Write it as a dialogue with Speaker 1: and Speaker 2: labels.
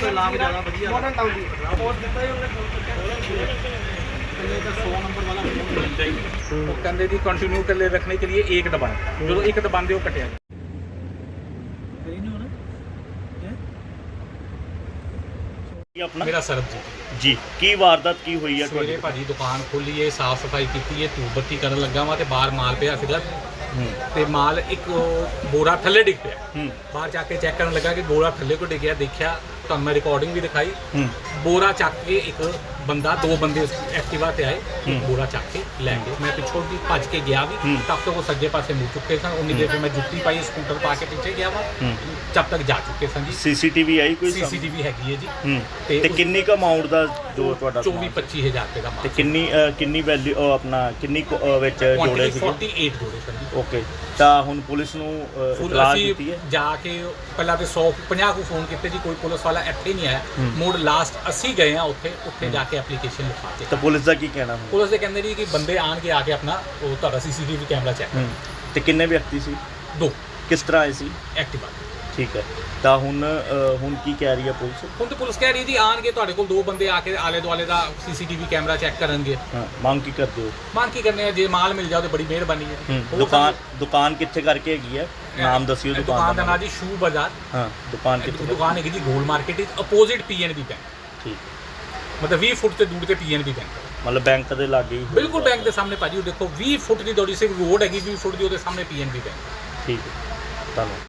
Speaker 1: ਤੋਂ ਲਾਭ ਜ਼ਿਆਦਾ ਵਧੀਆ
Speaker 2: ਮਾਡਰਨ ਟਾਊਨ ਦੀ
Speaker 1: ਪੋਸਟ ਦਿੱਤਾ ਹੀ ਉਹਨੇ तो 100 नंबर वाला मिल जाएगी वो कहते जी कंटिन्यू कर ले रखने के लिए एक दबाएं जो एक दबाते वो कटिया
Speaker 3: अपना
Speaker 4: मेरा सरबजीत
Speaker 3: जी की वारदात की हुई है
Speaker 4: सवेरे भाजी दुकान खोली है साफ सफाई की है धूप बत्ती कर लगा वा तो बाहर माल पिया सीगा ਤੇ ਮਾਲ ਇੱਕ ਬੋਰਾ ਥੱਲੇ ਡਿੱਗ ਪਿਆ ਬਾਹਰ ਜਾ ਕੇ ਚੈੱਕ ਕਰਨ ਲੱਗਾ ਕਿ ਬੋਰਾ ਥੱਲੇ ਕੋ ਡਿੱਗਿਆ ਦੇਖਿਆ ਤੁਹਾਨੂੰ ਮੈਂ ਰਿਕਾਰਡਿੰਗ ਵੀ ਦਿਖਾਈ ਬੋਰਾ ਚੱਕ ਕੇ ਇੱਕ ਬੰਦਾ ਦੋ ਬੰਦੇ ਐਕਟਿਵਾ ਤੇ ਆਏ ਬੋਰਾ ਚੱਕ ਕੇ ਲੈ ਗਏ ਮੈਂ ਪਿੱਛੋਂ ਦੀ ਭੱਜ ਕੇ ਗਿਆ ਵੀ ਤਬ ਤੱਕ ਉਹ ਸੱਜੇ ਪਾਸੇ ਮੁੜ ਚੁੱਕੇ ਸਨ ਉਨੀ ਦੇਰ ਮੈਂ ਜੁੱਤੀ ਪਾਈ ਸਕੂਟਰ ਪਾ ਕੇ ਪਿੱਛੇ ਗਿਆ ਵਾ ਜਦ ਤੱਕ ਜਾ ਚੁੱਕੇ ਸਨ ਜੀ
Speaker 3: ਸੀਸੀਟੀਵੀ ਆਈ ਕੋਈ
Speaker 4: ਸੀਸੀਟੀਵੀ ਹੈਗੀ ਹੈ ਜੀ
Speaker 3: ਤੇ ਕਿੰਨੀ ਕ ਅਮਾਉਂਟ ਦਾ ਜੋ ਤੁਹਾਡਾ
Speaker 4: 24-25 ਹਜ਼ਾਰ ਰੁਪਏ ਦਾ ਮਾਲ
Speaker 3: ਤੇ ਕਿੰਨੀ ਵੈਲਿਊ ਆਪਣਾ ਕਿੰਨੀ ਵਿੱਚ ਜੋੜੇ ਸੀ
Speaker 4: 48 ਜੋੜੇ ਸਨ ਜੀ
Speaker 3: ਓਕੇ ਤਾਂ ਹੁਣ ਪੁਲਿਸ ਨੂੰ ਇਤਲਾਹ ਦਿੱਤੀ ਹੈ
Speaker 4: ਜਾ ਕੇ ਪਹਿਲਾਂ ਤੇ 150 ਕੋ ਫੋਨ ਕੀਤੇ ਜੀ ਕੋਈ ਪੁਲਿਸ ਵਾਲਾ ਇੱਥੇ ਨਹੀਂ ਆਇਆ ਮੋੜ ਲਾਸਟ ਅਸੀਂ ਗਏ ਆ ਉੱਥੇ ਜਾ ਕੇ ਐਪਲੀਕੇਸ਼ਨ ਲਿਖਾ ਕੇ
Speaker 3: ਤਾਂ ਪੁਲਿਸ ਦਾ ਕੀ ਕਹਿਣਾ
Speaker 4: ਪੁਲਿਸ ਦੇ ਕਹਿੰਦੇ ਜੀ ਕਿ ਬੰਦੇ ਆਣਗੇ ਆ ਕੇ ਆਪਣਾ ਉਹ ਤੁਹਾਡਾ ਸੀਸੀਟੀਵੀ ਕੈਮਰਾ ਚੈੱਕ
Speaker 3: ਤੇ ਕਿੰਨੇ ਵਿਅਕਤੀ ਸੀ
Speaker 4: ਦੋ
Speaker 3: ਕਿਸ ਤਰ੍ਹਾਂ ਆਏ ਸੀ
Speaker 4: ਐਕਟਿਵਾ
Speaker 3: ਠੀਕ ਹੈ ਤਾਂ ਹੁਣ ਕੀ ਕਹਿ ਰਹੀ ਹੈ ਪੁਲਿਸ
Speaker 4: ਹੁਣ ਤੇ ਪੁਲਿਸ ਕਹਿ ਰਹੀ ਜੀ ਆਣਗੇ ਤੁਹਾਡੇ ਕੋਲ ਦੋ ਬੰਦੇ ਆ ਕੇ ਆਲੇ ਦੁਆਲੇ ਦਾ ਸੀਸੀਟੀਵੀ ਕੈਮਰਾ ਚੈੱਕ ਕਰਨਗੇ
Speaker 3: ਹਾਂ ਮੰਗ ਕੀ ਕਰਦੇ ਹੋ
Speaker 4: ਮੰਗ ਕੀ ਕਰਨੇ ਆ ਜੇ ਮਾਲ ਮਿਲ ਜਾਓ ਤੇ ਬੜੀ ਮਿਹਰਬਾਨੀ ਹੈ
Speaker 3: ਦੁਕਾਨ ਕਿੱਥੇ ਕਰਕੇ ਹੈਗੀ ਹੈ ਨਾਮ ਦੱਸਿਓ
Speaker 4: ਦੁਕਾਨ ਦਾ ਨਾਮ ਜੀ ਸ਼ੂ ਬਾਜ਼ਾਰ
Speaker 3: ਹਾਂ ਦੁਕਾਨ ਕਿੱਥੇ
Speaker 4: ਦੁਕਾਨ ਹੈਗੀ ਜੀ ਗੋਲ ਮਾਰਕੀਟ ਵਿੱਚ ਅਪੋਜ਼ਿਟ ਪੀਐਨਬੀ ਬੈਂਕ
Speaker 3: ਠੀਕ
Speaker 4: ਮਤਲਬ 20 ਫੁੱਟ ਤੇ ਦੂਰ ਤੇ ਪੀਐਨਬੀ ਬੈਂਕ
Speaker 3: ਮਤਲਬ ਬੈਂਕ ਦੇ ਲਾਗੇ ਹੀ
Speaker 4: ਬਿਲਕੁਲ ਬੈਂਕ ਦੇ ਸਾਹਮਣੇ ਭਾਜੀ ਉਹ ਦੇਖੋ 20 ਫੁੱਟ ਦੀ ਦੌੜੀ ਸਿਰਫ ਰੋਡ ਹੈਗੀ 20 ਫੁੱਟ ਦੀ ਉਹਦੇ ਸਾਹਮਣੇ ਪੀਐਨਬੀ ਬੈਂਕ
Speaker 3: ਠੀਕ ਹੈ ਧੰਨਵਾਦ